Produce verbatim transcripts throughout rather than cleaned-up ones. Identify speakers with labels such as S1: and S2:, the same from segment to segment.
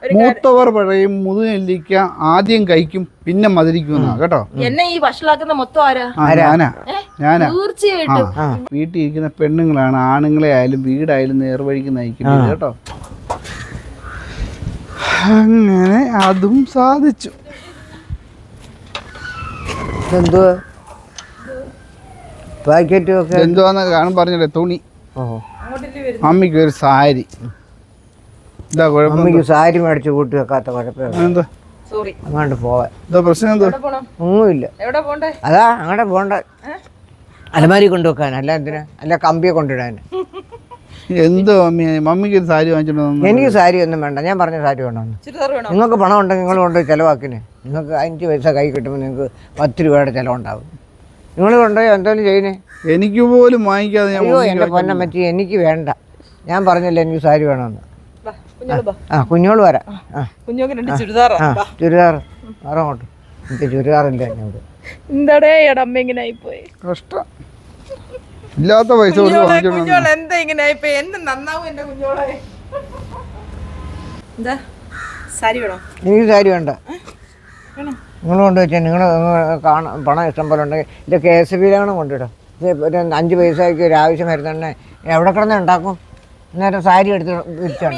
S1: മൂത്തവർ പറയും മുതുനെല്ലിക്ക ആദ്യം കഴിക്കും പിന്നെ മധുരിക്കുന്ന കേട്ടോ.
S2: എന്നെ ഈ വഷളാക്കുന്ന മൊത്തം ആരാ?
S1: ഞാനാ ഞാനാ
S2: തീർച്ചയായിട്ടും.
S1: വീട്ടിൽ ഇരിക്കുന്ന പെണ്ണുങ്ങളാണ് ആണുങ്ങളെ ആയാലും വീടായാലും നേർവഴിക്ക് നയിക്കുന്നത് കേട്ടോ. അങ്ങനെ അതും സാധിച്ചു. എന്തുവാന്ന് കാണും പറഞ്ഞില്ലേ തുണി. മമ്മിക്ക് ഒരു സാരി. എന്താ കുഴപ്പം?
S3: സാരി മേടിച്ച് കൂട്ടി വെക്കാത്ത കുഴപ്പമില്ല.
S1: എന്താ
S3: അങ്ങോട്ട് പോവാൻ
S1: എന്താ പ്രശ്നം? എന്താ
S3: ഒന്നുമില്ല. അതാ അങ്ങോട്ട് പോണ്ട. അലമാരി കൊണ്ടുവെക്കാൻ അല്ല എന്തിനാ? അല്ല കമ്പിയെ കൊണ്ടിടാൻ.
S1: എന്തോ മമ്മി മമ്മിക്ക് ഒരു സാരി വാങ്ങിച്ചിട്ടുണ്ടോ?
S3: എനിക്ക് സാരി ഒന്നും വേണ്ട. ഞാൻ പറഞ്ഞ സാരി വേണമെന്ന്. നിങ്ങൾക്ക് പണം ഉണ്ടെങ്കിൽ നിങ്ങൾ കൊണ്ട് ചിലവാക്കിന്. നിങ്ങൾക്ക് അഞ്ച് പൈസ കൈ കിട്ടുമ്പോൾ നിങ്ങൾക്ക് പത്ത് രൂപയുടെ ചിലവുണ്ടാവും. നിങ്ങൾ കൊണ്ടുപോയി എന്തായാലും ചെയ്യുന്നേ. എനിക്ക്
S1: പോലും വാങ്ങിക്കാതെ ഞാൻ
S3: അയ്യോ എൻ്റെ പൊന്നം പറ്റി എനിക്ക് വേണ്ട. ഞാൻ പറഞ്ഞില്ല എനിക്ക് സാരി വേണമെന്ന്. ആ കുഞ്ഞോള് വരാം. ആ ചുരിദാർ അങ്ങോട്ട്. എനിക്ക് ചുരിദാറില്ല എന്നോട്.
S2: എന്താടേ അമ്മ ഇങ്ങനെ ആയിപ്പോയി.
S1: കഷ്ടം. ഇല്ലാത്ത പൈസ
S2: കുഞ്ഞോളെ എന്താ ഇങ്ങനെ ആയിപ്പോയി? എന്ത് നന്നാവും എന്റെ കുഞ്ഞോളെ. എന്താ സാരി വേണോ?
S3: എനിക്ക് സാരി വേണ്ട. നിങ്ങൾ കൊണ്ടുവച്ചാൽ നിങ്ങൾ കാണാൻ പണം ഇഷ്ടം പോലെ ഉണ്ടെങ്കിൽ ഇത് കെ എസ് ബിയിലാണ് കൊണ്ടിടും. ഇത് ഒരു അഞ്ച് പൈസയ്ക്ക് ഒരു ആവശ്യം വരുന്നുണ്ടെ എവിടെ കിടന്ന് ഉണ്ടാക്കും? നേരം സാരി എടുത്ത് വിരിച്ചാണ്.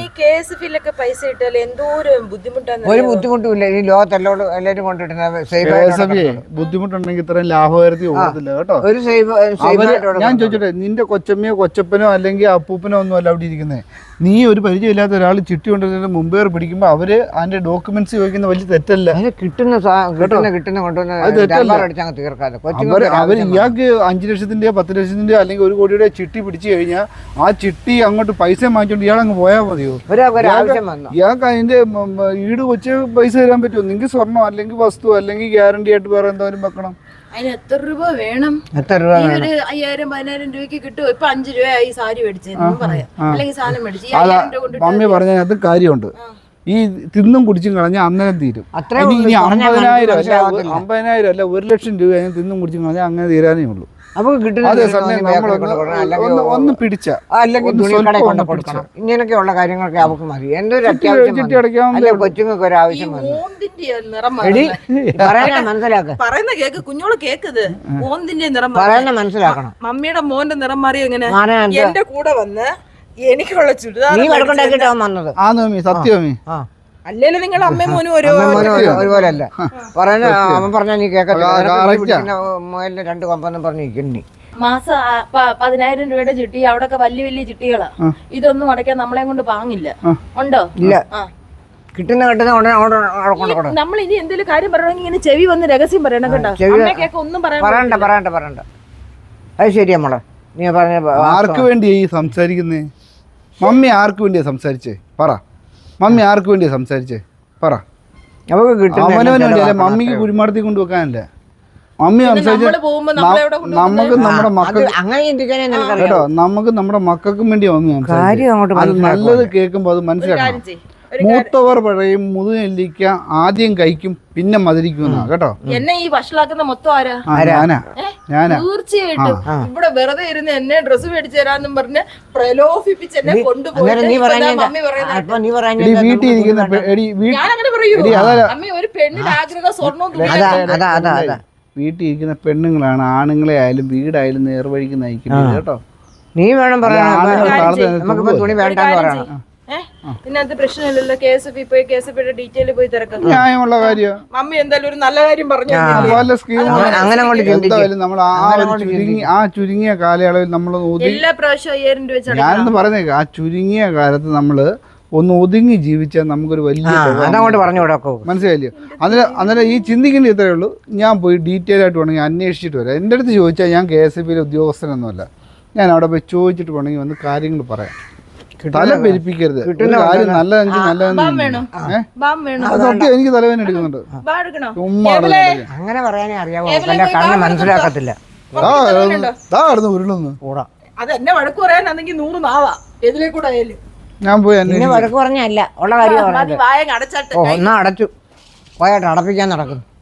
S3: ഒരു ബുദ്ധിമുട്ടും ഇല്ല. ഈ ലോകത്തെല്ലോട് എല്ലാവരും കൊണ്ടിടുന്നത്
S1: ബുദ്ധിമുട്ടുണ്ടെങ്കിൽ ഇത്രയും ലാഭകരത്തിൽ ഓടത്തില്ല കേട്ടോ.
S3: ഒരു
S1: ഞാൻ ചോദിച്ചോട്ടെ, നിന്റെ കൊച്ചമ്മയോ കൊച്ചപ്പനോ അല്ലെങ്കിൽ അപ്പൂപ്പനോ ഒന്നും അല്ല അവിടെ ഇരിക്കുന്നത്. നീ ഒരു പരിചയമില്ലാത്ത ഒരാൾ ചിട്ടി കൊണ്ടുവരുന്നതിന് മുമ്പേ പിടിക്കുമ്പോൾ അവര് അതിന്റെ ഡോക്യുമെന്റ്സ് ചോദിക്കുന്ന വലിയ തെറ്റല്ല.
S3: കിട്ടുന്ന കിട്ടുന്ന കിട്ടുന്ന കൊണ്ടുവന്ന് തീർക്കാതെ
S1: അവര് ഇയാൾക്ക് അഞ്ചു ലക്ഷത്തിന്റെയോ പത്ത് ലക്ഷത്തിന്റെയോ അല്ലെങ്കിൽ ഒരു കോടിയുടെ ചിട്ടി പിടിച്ചു കഴിഞ്ഞാൽ ആ ചിട്ടി അങ്ങോട്ട് പൈസ വാങ്ങിച്ചോണ്ട് ഇയാളങ്ങ് പോയാൽ മതിയോ? ഇയാൾക്ക് അതിന്റെ ഈട് വെച്ച് പൈസ തരാൻ പറ്റുമോ? നിങ്ങൾക്ക് സ്വർണ്ണം അല്ലെങ്കിൽ വസ്തു അല്ലെങ്കിൽ ഗ്യാരണ്ടി ആയിട്ട് വേറെ എന്തായാലും വെക്കണം.
S2: അതിന് എത്ര രൂപ വേണം? ഒരു അയ്യായിരം പതിനായിരം രൂപയ്ക്ക് കിട്ടും. ഇപ്പൊ അഞ്ചു രൂപയായി സാരി മേടിച്ചെന്ന് പറയാം, അല്ലെങ്കിൽ സാധനം മേടിച്ചു.
S1: മമ്മി പറഞ്ഞത് കാര്യമുണ്ട്. ഈ തിന്നും കുടിച്ചും കളഞ്ഞാൽ അന്നേരം തീരും. ഇനി അമ്പതിനായിരം അല്ല അമ്പതിനായിരം അല്ല ഒരു ലക്ഷം രൂപ തിന്നും കുടിച്ചും കളഞ്ഞാൽ അങ്ങനെ തീരാനേ ഉള്ളൂ. ഒന്ന് പിടിച്ച
S3: ഇങ്ങനെയൊക്കെയുള്ള കാര്യങ്ങളൊക്കെ അവർക്ക് മതി. എന്റെ ഒരു അത്യാവശ്യം കൊച്ചുങ്ങൾക്ക് ഒരു ആവശ്യം മനസ്സിലാക്കാം.
S2: പറയുന്ന കേക്ക് കുഞ്ഞോള് കേക്കത് ഓന്തിന്റെ നിറം
S3: പറയുന്ന മനസ്സിലാക്കണം.
S2: മമ്മിയുടെ മോന്റെ നിറം മാറി എങ്ങനെ എന്റെ കൂടെ വന്ന് എനിക്കുള്ള ചുരിദാർ
S3: നീ വഴക്കുണ്ടാക്കിയിട്ടാവും വന്നത്.
S1: ആ സത്യമേ.
S2: അല്ലേലും നിങ്ങൾ അമ്മയും മോനും
S3: ഒരുപോലെ അല്ല പറയുന്ന. അവൻ പറഞ്ഞാൽ നീ കേൾക്കത്തില്ല. രണ്ട് കൊമ്പെന്നും പറഞ്ഞിരിക്കുന്നു.
S2: മാസം പതിനായിരം രൂപയുടെ ചിട്ടി അവിടെയൊക്കെ വലിയ വലിയ ചിട്ടികളാ. ഇതൊന്നും അടയ്ക്കാൻ നമ്മളെ കൊണ്ട് പാങ്ങില്ല. ഉണ്ടോ?
S3: ഇല്ല. കിട്ടുന്ന കിട്ടുന്ന
S2: നമ്മൾ ഇനി എന്തെങ്കിലും കാര്യം പറയണമെങ്കിൽ ഇങ്ങനെ ചെവി വന്ന് രഹസ്യം പറയണം കേട്ടോ. ഒന്നും
S3: പറയണ്ട പറയണ്ട പറയണ്ട. അത് ശരിയാ മോളെ നീ പറഞ്ഞ.
S1: ആർക്ക് വേണ്ടിയാ ഈ സംസാരിക്കുന്നേ? മമ്മി ആർക്ക് വേണ്ടിയാ സംസാരിച്ചേ? പറ. മമ്മി ആർക്ക് വേണ്ടിയാ സംസാരിച്ചേ? പറ. അവനവന് വേണ്ടിയല്ലേ, മമ്മിക്ക് കുഴിമാടത്തി കൊണ്ടുവെക്കാനല്ലേ മമ്മി സംസാരിച്ചത്. നമുക്ക് നമ്മുടെ മക്കൾ കേട്ടോ, നമുക്ക് നമ്മുടെ മക്കൾക്കും വേണ്ടി മമ്മി സംസാരിച്ചു. നല്ലത് കേൾക്കുമ്പോ അത് മനസ്സിലാക്കണം. മൂത്തവർ പറയും മുതുനെല്ലിക്ക ആദ്യം കഴിക്കും പിന്നെ മധുരിക്കുന്ന കേട്ടോ.
S2: എന്നെ ഈ വഷളാക്കുന്ന മൊത്തം ആരാ?
S1: ഞാനാ ഞാനാ
S2: തീർച്ചയായിട്ടും. ഇവിടെ വെറുതെ ഇരുന്ന് എന്നെ ഡ്രസ്സ് മേടിച്ചു തരാന്നും പറഞ്ഞ് പ്രലോഭിപ്പിച്ച് എന്നെ കൊണ്ടുപോയി
S1: വീട്ടിൽ ഇരിക്കുന്ന
S2: ഒരു പെണ്ണിന്റെ ആഗ്രഹം സ്വർണ്ണം
S1: വീട്ടിൽ ഇരിക്കുന്ന പെണ്ണുങ്ങളാണ് ആണുങ്ങളെ ആയാലും വീടായാലും നേർവഴിക്ക് നയിക്കുന്നത് കേട്ടോ.
S3: നീ വേണം പറയാൻ തുണി വേണ്ടെന്ന് പറയണം.
S2: ഇതിനകത്ത് പ്രശ്നമില്ലല്ലോ. കെ എസ് എഫ് പോയി കെ എസ് എഫ് ഡീറ്റെയിൽ പോയി തിരക്കാം.
S1: ന്യായമുള്ള കാര്യം.
S2: മമ്മി എന്തായാലും ഒരു നല്ല കാര്യം പറഞ്ഞു.
S1: എന്തായാലും നമ്മൾ ആ ചുരുങ്ങിയ കാലയളവിൽ നമ്മൾ
S2: എല്ലാ പ്രാവശ്യം അയ്യായിരം രൂപ വെച്ചാണ്
S1: ഞാനെന്ന് പറഞ്ഞേക്ക. ആ ചുരുങ്ങിയ കാലത്ത് നമ്മള് ഒന്ന് ഒതുങ്ങി ജീവിച്ചാൽ നമുക്കൊരു വലിയ മനസ്സിലായില്ലേ? അന്നേരം അന്നേരം ഈ ചിന്തിക്കേണ്ട ഇത്രയേ ഉള്ളൂ. ഞാൻ പോയി ഡീറ്റെയിൽ ആയിട്ട് വേണമെങ്കിൽ അന്വേഷിച്ചിട്ട് വരാം. എൻ്റെ അടുത്ത് ചോദിച്ചാൽ ഞാൻ കെ എസ് എഫ് ബിയിലെ ഉദ്യോഗസ്ഥനൊന്നുമല്ല. ഞാൻ അവിടെ പോയി ചോദിച്ചിട്ട് വേണമെങ്കിൽ വന്ന് കാര്യങ്ങൾ പറയാം. തല പെരിപ്പിക്കരുത്. കാര്യം നല്ലതെങ്കിൽ നല്ലതെന്ന് സത്യം. എനിക്ക് തലവേദന എടുക്കുന്നുണ്ട്.
S3: അങ്ങനെ പറയാനേ അറിയാവോ? മനസ്സിലാക്കത്തില്ല.
S1: ഉരുളുന്നു.
S2: അതെന്നെ വഴക്ക് പറയാനാണെങ്കിൽ നൂറ് നാവാ എതിലേക്കൂടെ ആയാലും
S1: ഞാൻ പോയി
S3: വഴക്ക് പറഞ്ഞല്ല ഉള്ള കാര്യം. ഒന്നും അടച്ചു പോയാട്ട് അടപ്പിക്കാൻ നടക്കുന്നു.